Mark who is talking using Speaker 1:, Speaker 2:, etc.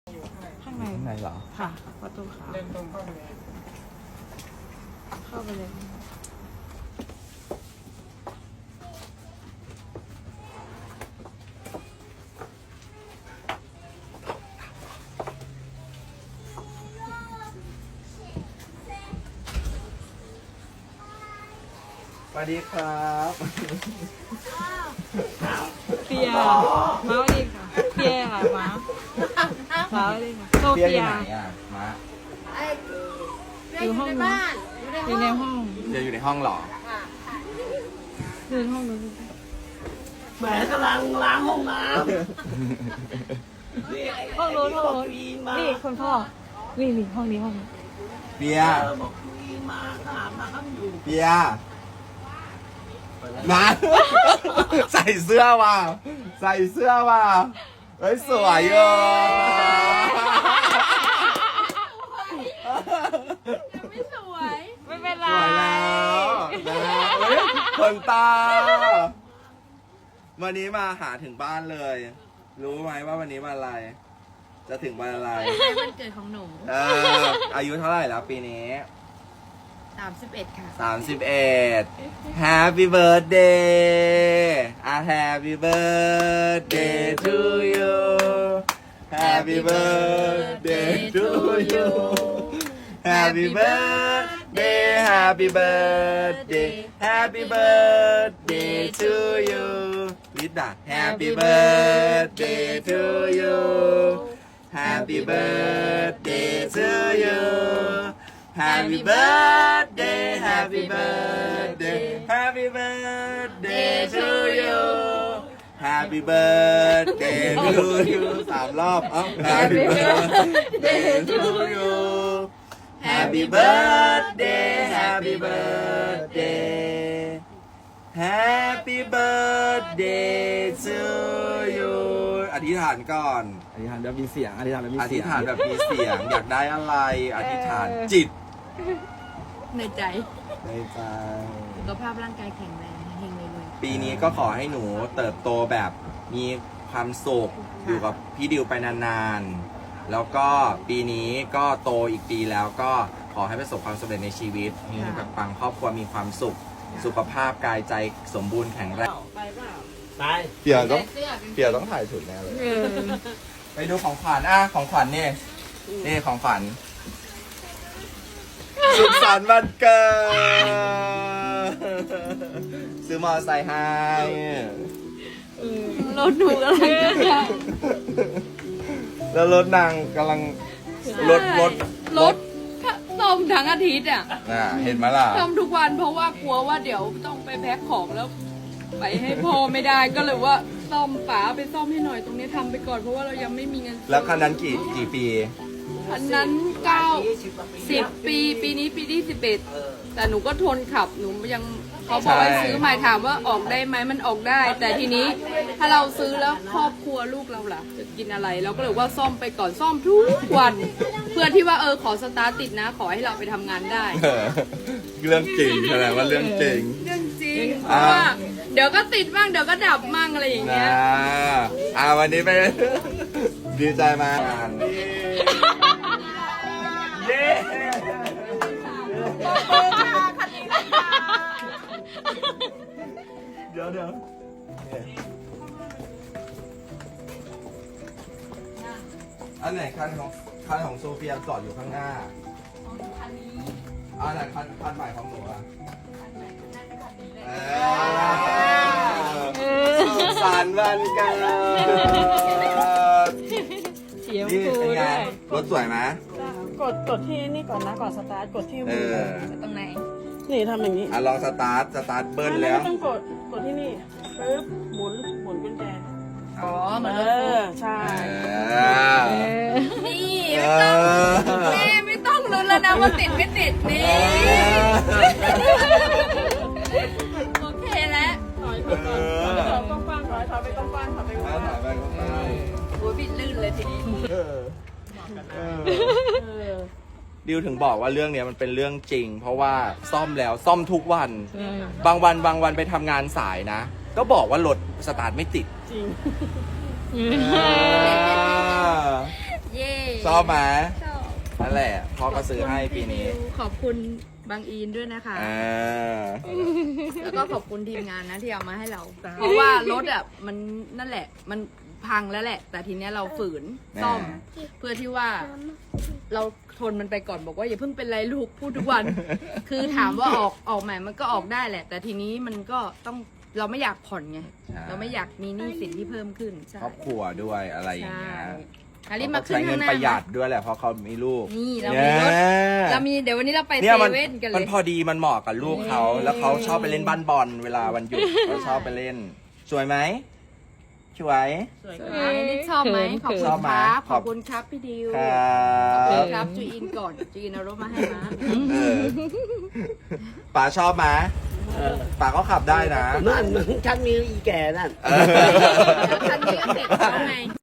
Speaker 1: ข้างใน
Speaker 2: ข้างในเหรอ
Speaker 1: ค่ะประตูขาว
Speaker 3: เดินตรงเข้าไปเลย
Speaker 1: เข้าไปเลย
Speaker 2: สวัสดีครับ
Speaker 1: เปียมาสวัสดีค่ะเปียค่ะมาสวัสดีค่ะโซ
Speaker 2: เปีย
Speaker 1: เฟี
Speaker 2: อยู่
Speaker 1: ย
Speaker 2: ไหนอ่ะมา
Speaker 1: อยู่ห้องนู้นอยู่ในห้อง
Speaker 2: เปียอยู่ในห้องเหรอ
Speaker 1: อยู่ในห้องนู้น
Speaker 4: แหมกำลังล้างห้องน้ำ
Speaker 1: ห้องนู้นห้องนู้นนี่คุณพ่อนี่ห้องนี้ห้องนี้
Speaker 2: เปีย
Speaker 4: บอกมีมาอาบน้ำอยู่
Speaker 2: เปียมา ใส่เสื้อว่ะใส่เสื้อว่ะเฮ้ยสวยอ่ะ
Speaker 1: ไม่เป็นไร
Speaker 2: สวยแล้วนะเฮ้ยขนตา วันนี้มาหาถึงบ้านเลย รู้ไหมว่าวันนี้วันอะไร จะถึงวันอะไร
Speaker 5: วันเกิดของหนู
Speaker 2: อายุเท่าไหร่แล้วปีนี้
Speaker 5: 31 ค่ะ
Speaker 2: 31 Happy birthday Happy birthday to you Happy birthday to you Happy birthday Happy birthday Happy birthday to you ลิดด่ะ Happy birthday to you Happy birthday to you Happy birthday Happy birthday Happy birthday to you Happy birthday to you 3 รอบเอ้า Happy birthday to you Happy birthday Happy birthday Happy birthday to you อธิษฐานก่อน
Speaker 4: อธิษฐานแบบมีเสียงอธิษฐานแบบมี
Speaker 2: อ
Speaker 4: เสี
Speaker 2: ธิ
Speaker 4: ย
Speaker 2: ษ
Speaker 4: ง
Speaker 2: ฐานแบบมีเสียง อยากได้อะไร อธิษฐานจิต
Speaker 5: ในใจ
Speaker 2: ในใจ
Speaker 5: สุขภาพร่างกายแข็งแรงเฮงเลย
Speaker 2: ปีนี้ก็ขอให้หนูเติบโตแบบมีความสุขอยู่กับพี่ดิวไปนานๆ แล้วก็ปีนี้ก็โตอีกปีแล้วก็ขอให้ประสบความสำเร็จในชีวิตมีกับปังครอบครัวมีความสุข สุขภาพกายใจสมบูรณ์แข็งแรง
Speaker 4: ไป
Speaker 2: เปียต้องถ่ายถุดแน่เลย ไปดูของขวัญของขวัญนี่ของขวัญสุขสันต์วันเกิดซื้อมอเตอร์ไซค์ให้
Speaker 5: รถหนูกำลังจะ
Speaker 2: แล้วรถนางกำลังรถ
Speaker 5: ซ่อมทั้งอาทิตย์อ่ะ
Speaker 2: เห็นไหมล่ะ
Speaker 5: ซ่อมทุกวันเพราะว่ากลัวว่าเดี๋ยวต้องไปแพ็คของแล้ว ไปให้พ่อไม่ได้ก็เลยว่าซ่อมป๋าไปซ่อมให้หน่อยตรงนี้ทำไปก่อนเพราะว่าเรายังไม่มีเงิน
Speaker 2: แล้วคันนั้นกี่ปี
Speaker 5: คันนั้น10 ปีนี้ปีที่11แต่หนูก็ทนขับหนูยังเขาบอกให้ซื้อใหม่ถามว่าออกได้ไหมมันออกได้ แต่ทีนี้ถ้าเราซื้อแล้วครอบครัวลูกเราล่ะจะกินอะไรเราก็เลยว่าซ่อมไปก่อนซ่อมทุกวัน เพื่อที่ว่าขอสตาร์ทติดนะ ขอให้เราไปทำงานได้
Speaker 2: เรื่องจริงแสดงว่าเรื่องจริง
Speaker 5: เรื่องจริงเพราะว่าเดี๋ยวก็ติดบ้างเดี๋ยวก็ดับมั่งอะไรอย่างเงี้ย
Speaker 2: วันนี้ไป ดีใจมากเย้เดี๋ยวอันไหนคันของโซเฟียจอดอยู่ข้างหน้าอันไหนคันใหม่ของหนูอ่ะสุขสันต์วันเกิด
Speaker 1: เสียง
Speaker 2: นี่
Speaker 1: ฟู
Speaker 2: เป็นไง
Speaker 1: ด้วย
Speaker 2: รถสวยไหม
Speaker 1: กดที่นี่ก่อนนะก่อนสตาร์ทกดที่มือ
Speaker 5: ตรงไหน
Speaker 1: นี่ทำอย่างนี้
Speaker 2: ลองสตาร์ทเบิ้ลแล้ว
Speaker 1: ไม่ต้องกดที่นี่ปึ๊บหมุนกุญแจ
Speaker 5: อ๋อเหมือน
Speaker 1: ใช่
Speaker 5: นี่ไม่ต้องลุ้นแล้วนะว่าติดไม่ติดนี่โอเคแล้ว
Speaker 1: ถอยกว้างๆถอยไปกว้างๆถอยไปกว้าง
Speaker 2: ถ่ายไปก็ได้
Speaker 5: โอ้ยบิดลื่นเลยทีนี้
Speaker 2: ดิวถึงบอกว่าเรื่องเนี้ยมันเป็นเรื่องจริง เพราะว่าซ่อมแล้วซ่อมทุกวัน บางวันไปทำงานสายนะ ก็บอกว่ารถสตาร์ทไม่ติด
Speaker 1: จริง
Speaker 5: เย้
Speaker 2: ชอบไหม
Speaker 5: ชอบ
Speaker 2: นั่นแหละพ่อก็ซื้อให้ปีนี้
Speaker 5: ขอบคุณบางอีนด้วยนะคะ แล้วก็ขอบคุณทีมงานนะที่เอามาให้เรา เพราะว่ารถอ่ะมันนั่นแหละ มันพังแล้วแหละ แต่ทีเนี้ยเราฝืนซ่อม เพื่อที่ว่าเราทนมันไปก่อนบอกว่าอย่าเพิ่งเป็นไรลูกพูดทุกวัน คือถามว่าออกใหม่มันก็ออกได้แหละ แต่ทีนี้มันก็ต้องเราไม่อยากผ่อนไง
Speaker 2: ใช่
Speaker 5: เราไม่อยากมีหนี้สินที่เพิ่มขึ้นใช่
Speaker 2: ครอบครัวด้วยอะไรอย่าง
Speaker 5: ใช่
Speaker 2: เงี้ย
Speaker 5: อาริมาขึ้น
Speaker 2: ใช้เงิ
Speaker 5: ข้าง
Speaker 2: น
Speaker 5: หน้า
Speaker 2: ประหยัดด้วยแหละเพราะเขามีลูก
Speaker 5: นี่เรามีรถ เรามีเดี๋ยววันนี้เราไป
Speaker 2: เนี่ย
Speaker 5: เซ
Speaker 2: มัน
Speaker 5: เว่นกันเล
Speaker 2: มัน
Speaker 5: ย
Speaker 2: พอดีมันเหมาะกับลูกเขา แล้วเขาชอบไปเล่นบ้านบอลเวลาวันหยุดเขาชอบไปเล่นสวยไหมสวย
Speaker 1: สวย
Speaker 5: อันนี้ชอบไหมขอบคุ
Speaker 2: ช
Speaker 5: ณ
Speaker 2: อบไหม
Speaker 5: ครับ
Speaker 2: ข
Speaker 5: ข
Speaker 2: อ
Speaker 5: อ
Speaker 2: บบ
Speaker 5: คุณครับพี่ดิว
Speaker 2: ครั
Speaker 5: ขอบคุณ
Speaker 2: บ
Speaker 5: ครับจูอินก่อนจูอินเอารถมาให้มา
Speaker 2: เออป๋าชอบไหม
Speaker 4: เออ
Speaker 2: ป๋าก็ขับได้นะ
Speaker 4: นั่นฉันมีอีแก่นั่น
Speaker 2: เออ
Speaker 5: แล้วคันนี้ก็เสร็จแล้วไง